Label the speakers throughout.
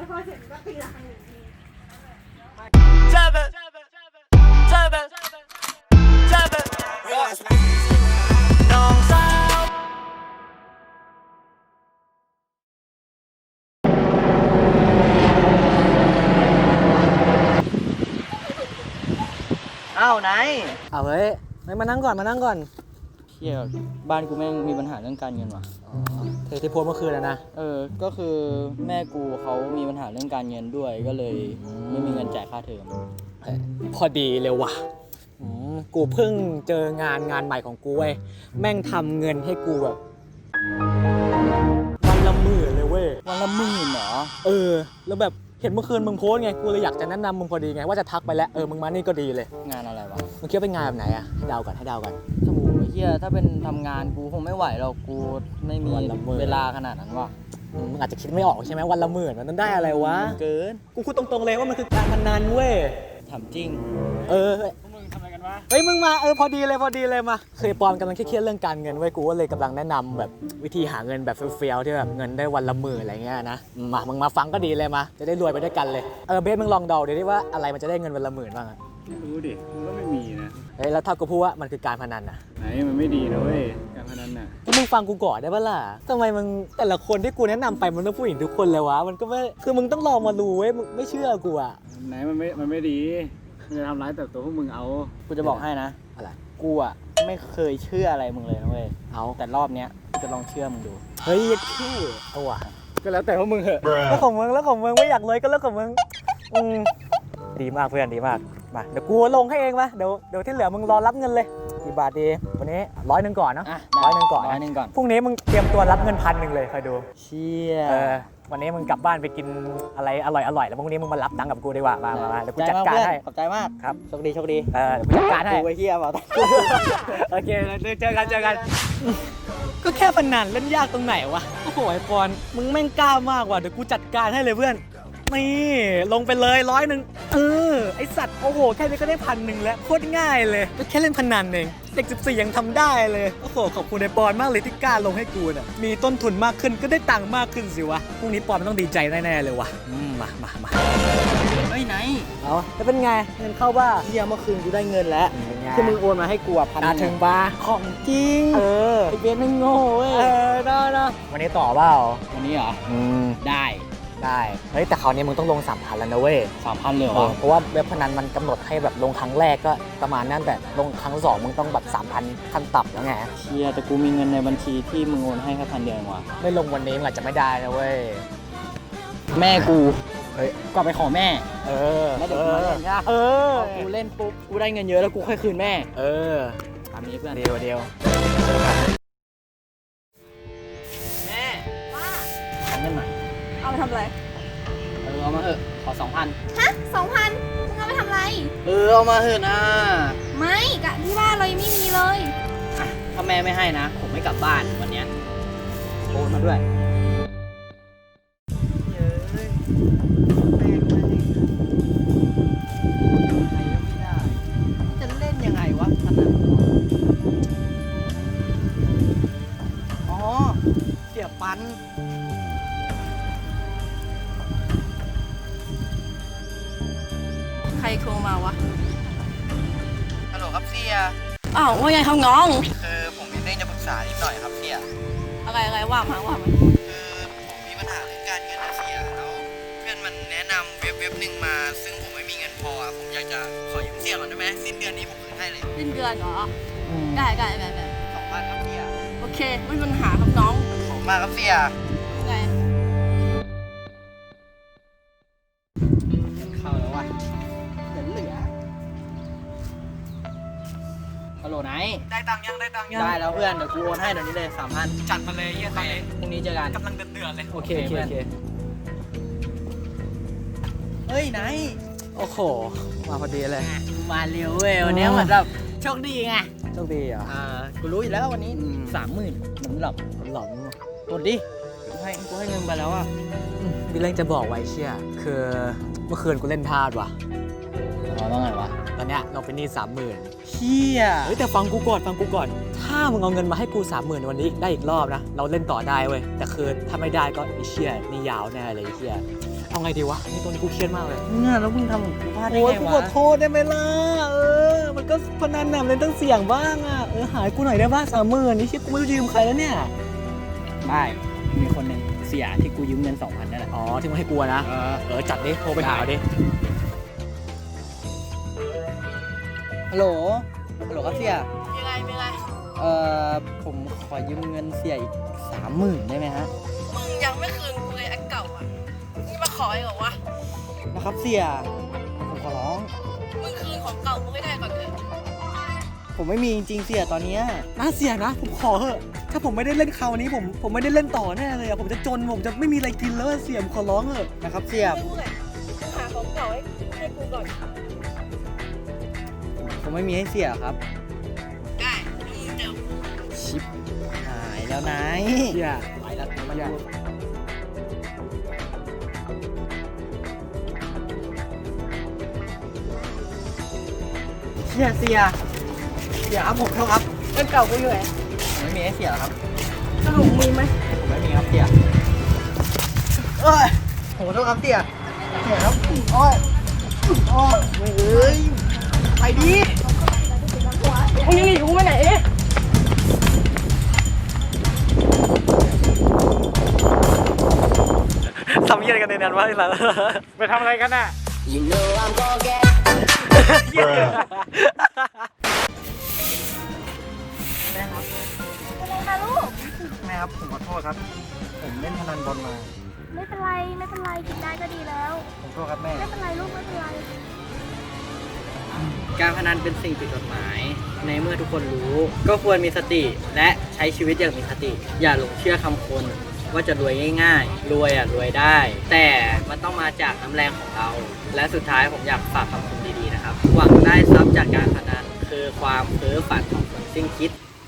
Speaker 1: แล้วพอเสร็จก็ตีละครั้งหนึ่งที
Speaker 2: น้องสาวอ้าวไหน
Speaker 3: เอาเฮ้ยไม่มานั่งก่อน
Speaker 2: เที่ยบ้านกูแม่งมีปัญหาเรื่องการเงินว่ะ
Speaker 3: เทที่โพสเมื่อคืนแล้วนะ
Speaker 2: ก็คือแม่กูเขามีปัญหาเรื่องการเงินด้วยก็เลยไม่มีเงินจ่ายค่าเทอม
Speaker 3: พอดีเลยว่ะกูเพิ่งเจองานใหม่ของกูเว้ยแม่งทำเงินให้กูแบบวันละ10,000เลยเว้ย
Speaker 2: วันละ10,000เหรอ
Speaker 3: แล้วแบบเห็นเมื่อคืนมึงโพสไงกูเลยอยากจะแนะนำมึงพอดีไงว่าจะทักไปแล้วมึงมานี่ก็ดีเลย
Speaker 2: งานอะไรวะ
Speaker 3: มึงคิดว่าเป็นงานแบบไหนอะให้เดากัน
Speaker 2: โอ้โหเฮียถ้าเป็นทำงานกูคงไม่ไหวหรอกกูไม่มีเวลาขนาดนั้นว่ะ
Speaker 3: มึงอาจจะคิดไม่ออกใช่ไหมวันละ10,000มันได้อะไรวะ
Speaker 2: เกิน
Speaker 3: กูพูดตรงๆเลยว่ามันคือการพนันเว้ย
Speaker 2: ถามจริง
Speaker 3: มึงทำอะไรกันวะมึงมาพอดีเลยมาเคยปอนกำลังเครียดเรื่องการเงินเว้ยกูก็เลยกำลังแนะนำแบบวิธีหาเงินแบบเฟี้ยวๆที่แบบเงินได้วันละ10,000อะไรเงี้ยนะมึงมาฟังก็ดีเลยมาจะได้รวยไปด้วยกันเลยเบสมึงลองเดาดิว่าอะไรมันจะได้เงินวันละ10,000บ้างอะ
Speaker 4: ไม่รู้ดิมันก็ไม่มีนะ
Speaker 3: แล้วถ้ากูพูดว่ามันคือการพนันอะ
Speaker 4: ไหนมันไม่ดีนะเว้ยการพนันน่ะ
Speaker 3: มึงฟังกูก่อนได้ปะล่ะทำไมมึงแต่ละคนที่กูแนะนำไปมันต้องผู้หญิงทุกคนเลยวะมันก็ไม่คือมึงต้องลองมาดูเว้ยมึงไม่เชื่อกูอะ
Speaker 4: ไหนมันไม่ดีมันจะทำร้ายแต่ตัวพวกมึงเอา
Speaker 2: กูจะบอกให้นะ
Speaker 3: อะไร
Speaker 2: กูอะไม่เคยเชื่ออะไรมึงเลยนะเว้ยแต่รอบเนี้ยจะลองเชื่อมึงดู
Speaker 3: เฮ้ยชื่อเอาว่ะ
Speaker 4: ก็แล้วแต่พวกมึงเหอะ
Speaker 3: แล้วของมึงไม่อยากเลยก็เรื่องของมึงดีมากเพื่อนดีมากมาเดี๋ยวกูลงให้เองมาเดี๋ยวที่เหลือมึงรอรับเงินเลยกี่บาทดีวันนี้100ก่อนเนาะ100ก่อนพรุ่งนี้มึงเตรียมตัวรับเงิน1,000เลยคอยดู
Speaker 2: เชี่ย
Speaker 3: วันนี้มึงกลับบ้านไปกินอะไรอร่อยแล้วพรุ่งนี้มึงมารับตังค์กับกูดีกว่ามาเดี๋ยวกูจัดการให้
Speaker 2: ขอบใจมาก
Speaker 3: ครับ
Speaker 2: โชคดี
Speaker 3: เดี๋ยวกูจัดการให้
Speaker 2: กูไอ้เหี้ยเปล่า
Speaker 3: โอเคเจอกันก็แค่พนันเล่นยากตรงไหนวะโอ้โหไอ้ปอนมึงแม่งกล้ามากว่ะเดี๋ยวกูจัดการให้เลยเพื่อนนี่ลงไปเลย100ไอสัตว์โอ้โหแค่นี้ก็ได้1,000แล้วโคตรง่ายเลยก็แค่เล่นพนันเองเด็ก14ยังทำได้เลยโอ้โหขอบคุณไอปอนมากเลยที่กล้าลงให้กูน่ะมีต้นทุนมากขึ้นก็ได้ตังค์มากขึ้นสิวะพรุ่งนี้ปอนมันต้องดีใจแน่ๆเลยวะมา
Speaker 2: เฮ้ยไหน
Speaker 3: แล้วเป็นไงเงินเข้าบ้า
Speaker 2: เฮียเมื่อคืนกูได้เงินแล้วที่มึงโอนมาให้กู
Speaker 3: 1,000ถึงบ้า
Speaker 2: ของจริงไอเบสไม่โง่เว้ย
Speaker 3: ได้วันนี้ต่อเปล่า
Speaker 2: วันนี้เหรอได้
Speaker 3: เฮ้ยแต่คราวนี้มึงต้องลง3,000แล้วนะเว้ย
Speaker 2: 3,000เลยเหรอ
Speaker 3: เพราะว่าเว็บพนันมันกำหนดให้แบบลงครั้งแรกก็ประมาณนั้นแต่ลงครั้ง2มึงต้องแบบ3,000ขั้นต่ำแล้วไง
Speaker 2: เชียแต่กูมีเงินในบัญชีที่มึงโอนให้แค่1,000 เดียวว่ะ
Speaker 3: ไม่ลงวันนี้มึงอาจจะไม่ได้นะเว้ย
Speaker 2: แม่กูก็ไปขอแม่
Speaker 3: แล้ว
Speaker 2: เดี๋ยวมาเล่นนะกูเล่นปุ๊บกูได้เงินเยอะแล้วกูค่อยคืนแม่ตามนี้เพื่อน
Speaker 3: เดียว
Speaker 2: แม่
Speaker 1: ว่า
Speaker 2: ขอเงินหน่อย
Speaker 1: เอาไปทำอะไร
Speaker 2: เอามาเถอะขอ 2,000
Speaker 1: ฮะ 2,000 มึงเอาไปทำอะไร
Speaker 2: เอามาเถอะนะ
Speaker 1: ไม่กะที่บ้านเรายังไม่มีเลย
Speaker 2: ถ้าแม่ไม่ให้นะผมไม่กลับบ้านวันนี้โอนมาด้วยจะเล่นยังไงวะขนาดเสียปัน
Speaker 1: ใครโทรมาวะ
Speaker 2: ฮัลโหลครับเสีย
Speaker 1: ว่าไงครับน้อง
Speaker 2: คือผมมีเรื่องจะปรึกษานิดหน่อยครับเสีย
Speaker 1: อะไรว่ามา
Speaker 2: คือผมมีปัญหาเรื่องการเงินนะเสียแล้วเพื่อนมันแนะนำเว็บหนึ่งมาซึ่งผมไม่มีเงินพอผมอยากจะขอยืมเสียก่อนได้ไหมสิ้นเดือนนี้ผมคืนให้เลย
Speaker 1: สิ้นเดือนเหรอได้
Speaker 2: 2,000ครับเสีย
Speaker 1: โอเคไม่มีปัญหาครับน้อง
Speaker 2: ขอบคุณมากครับเสีย
Speaker 1: ไง
Speaker 2: เข้าแล้ววะเหลือฮัลโหลไหน
Speaker 3: ได้ตังค์ยัง
Speaker 2: ได้แล้วเพื่อนเดี๋ยวกูโอนให้เดี๋ยวนี้เลย 3,000
Speaker 3: จัดมาเลยเยี่ยตอนนี้
Speaker 2: พรุ่งนี้เจอกัน
Speaker 3: กำลังเดือดเลย
Speaker 2: โอเคเฮ้ยไหน
Speaker 3: โอ้โหมาพอดีเลย
Speaker 2: มาเร็วเว้ยวันนี้เหมือนแบบโชคดีไง
Speaker 3: โชคดีเหรอ
Speaker 2: กูรู้อยู่แล้ววันนี้ 30,000มันหลับกดดิกูให้เงินไปแล้ว
Speaker 3: มีเรื่องจะบอกไว้เชี่ยคือเมื่อคืนกูเล่นพลาดว่ะว่าไงวะตอนเนี้ยเราเป็นหนี้30,000เฮียเฮ้ยแต่ฟังกูก่อนถ้ามึงเอาเงินมาให้กู30,000วันนี้ได้อีกรอบนะเราเล่นต่อได้เว้ยแต่คือถ้าไม่ได้ก็ไอ้เชี่ยนี่ยาวแน่เลยไอ้เชี่ยเอาไงดีวะนี่ตัวนี้กูเครียดมากเลย
Speaker 2: เนี่ยแล้วมึงทำกับกูพลาดได้
Speaker 3: โอ้ย
Speaker 2: ไง
Speaker 3: กู
Speaker 2: วะ
Speaker 3: ขอโทษได้ไหมล่ะมันก็พนันน่ะมันเล่นต้องเสี่ยงบ้างอ่ะหายกูหน่อยได้ป่ะ30,000นี่ชิบกูไม่รู้จะยืมใครแล้วเนี่ย
Speaker 2: ได้มีคนหนึ่งเสียที่กูยืมเงิน 2,000นั่นแหละ
Speaker 3: อ๋อที่มึงให้กูนะจัดดิโทรไปหาดิ
Speaker 2: ฮัลโหลครับเสีย
Speaker 1: ยังไงเป็นไง
Speaker 2: ผมขอยืมเงินเสียอีก 30,000ได้ไหมฮะ
Speaker 1: มึงยังไม่คืนกูเลยอันเก่าอ่ะนี่มาขออีกเหรอวะ
Speaker 2: นะครับเสียผมขอร้อง
Speaker 1: มึงคืนของเก่ากูให้ได้ก่อนเถอะ
Speaker 2: ผมไม่มีจริงๆเสียตอนเนี้ย
Speaker 3: น่าเสียนะผมขอเถอะถ้าผมไม่ได้เล่นคราวนี้ผมไม่ได้เล่นต่อแน่เลยอะผมจะจนผมจะไม่มีอะไรกินแล้วอะเสียผมขอร้องเถอะ
Speaker 2: นะครับเสีย
Speaker 1: ไม่พูดเลยมึงหาของเก่าให้กูก่อน
Speaker 2: ผมไม่มีให้เสียครับ
Speaker 1: ได้มึงเจอกู
Speaker 2: ชิปหายแล้วนาย
Speaker 3: เสียไปแล้วมันยาก
Speaker 2: เสียครับผมโทษครับ
Speaker 1: อันเก่ากูอยู่ไหน
Speaker 2: ผมไม่มีให้เสียครับ
Speaker 1: สรุปมีไหม
Speaker 2: ผมไม่มีครับเสียผมขอโทษครับเสียครับโอ้ยเอ้ยไปดิ
Speaker 1: มึงยังหนีกูไปไหน
Speaker 3: ทำยังไงกันในนั้นวะไอ้สัส
Speaker 4: ไปทำอะไรกันน่ะ
Speaker 2: แม่ครับแม่ครับผมขอโทษครับ ผมเล่นพนันบอลมา
Speaker 5: ไม่เป็นไรกินได้ก็ดีแล้ว
Speaker 2: ผมโทษครับแม่
Speaker 5: ไม่เป็นไรลูกไม่เป็นไร
Speaker 2: การพนันเป็นสิ่งผิดกฎหมาย ในเมื่อทุกคนรู้ ก็ควรมีสติและใช้ชีวิตอย่างมีสติ อย่าหลงเชื่อคำคนว่าจะรวยง่ายๆ รวยรวยได้ แต่มันต้องมาจากน้ำแรงของเรา และสุดท้ายผมอยากฝากคำคมดีๆนะครับ หวังได้ทรัพย์จากการพนันคือความเพ้อฝันของคนสิ้นคิด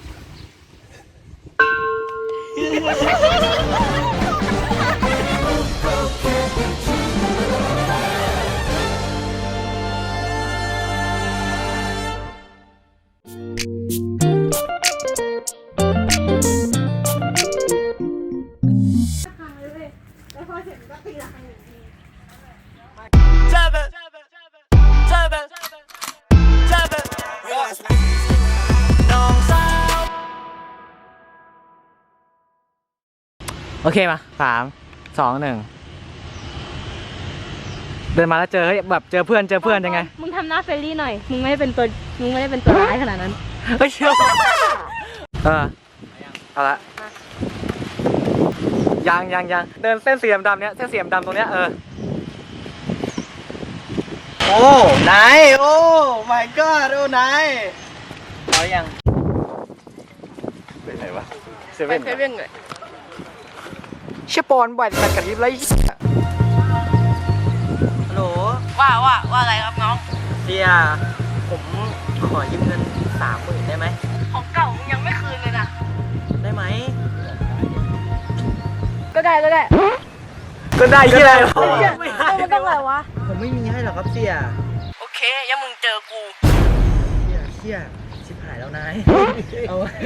Speaker 3: โอเคมา3 2 1เดินมาแล้วเจอเฮ้ยแบบเจอเพื่อนยังไง
Speaker 5: มึงทำหน้าเฟรนลี่หน่อย มึงไม่ได้เป็นตัวร้ายขนาดนั้น
Speaker 3: เฮ้ยเชื่อเอาละยังเดินเส้นสีดำๆเนี้ยเส้นสีดำตรงเนี้ย
Speaker 2: โอ้นายโอ้ my god โอ้นายเอายัง
Speaker 3: เป็นไรวะเซ
Speaker 1: ไป
Speaker 3: เว่น
Speaker 1: เซเว่นเลย
Speaker 3: เชี่ยปอนบ่อยแต่กระพริบไร
Speaker 2: ฮัลโหล
Speaker 1: ว่าอะไรครับน้อง
Speaker 2: เสียผมขอยืมเงิน 30,000ได้ไหม
Speaker 1: ของเก่ามึงยังไม่คืนเลยนะ
Speaker 2: ได้ไหม
Speaker 1: ก็ได้
Speaker 3: ก็ได้ที่ไร
Speaker 1: มันต้องอะไรวะ
Speaker 2: ผมไม่มีให้หรอกครับเสีย
Speaker 1: โอเคยังมึงเจอกู
Speaker 2: เสียชิบหายแล้วนาย เอาหาย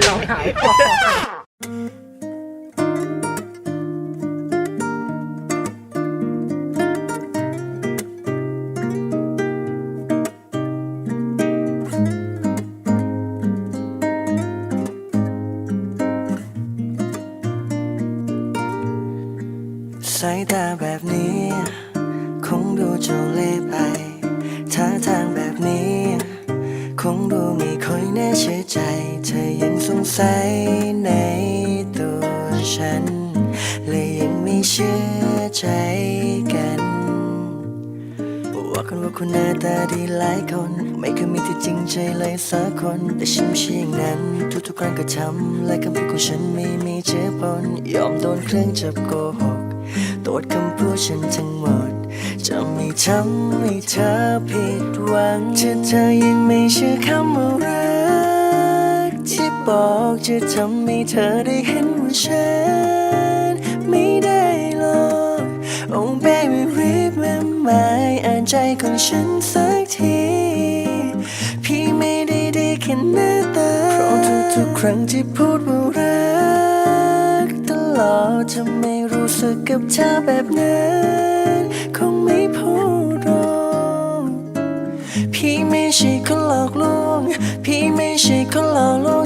Speaker 6: สายตาแบบนี้ คงดูโจเล่ไปท่าทางแบบนี้ คงดูไม่ค่อยแน่เชื่อใจ เธอยังสงสัยในตัวฉันเลยยังไม่เชื่อใจกันว่าคนว่าคุณหน้าตาดีหลายคน ไม่เคยมีที่จริงใจเลยสักคน แต่ฉันไม่ใช่อย่างนั้นทุกๆครั้งก็ทำและคำพูดของฉันไม่มีเจือปนยอมโดนเครื่องจับโกหกตรวจคำพูดฉันทั้งหมดจะไม่ทำให้เธอผิดหวังถ้าเธอยังไม่เชื่อคำว่ารักที่บอกจะทำให้เธอได้เห็นว่าฉันไม่ได้หรอก Oh baby remember อ่านใจของฉันสักทีครั้งที่พูดว่ารักตลอดจะไม่รู้สึกกับเธอแบบนั้นคงไม่พูดหรอกพี่ไม่ใช่คนหลอกลวงพี่ไม่ใช่คนหลอกลวง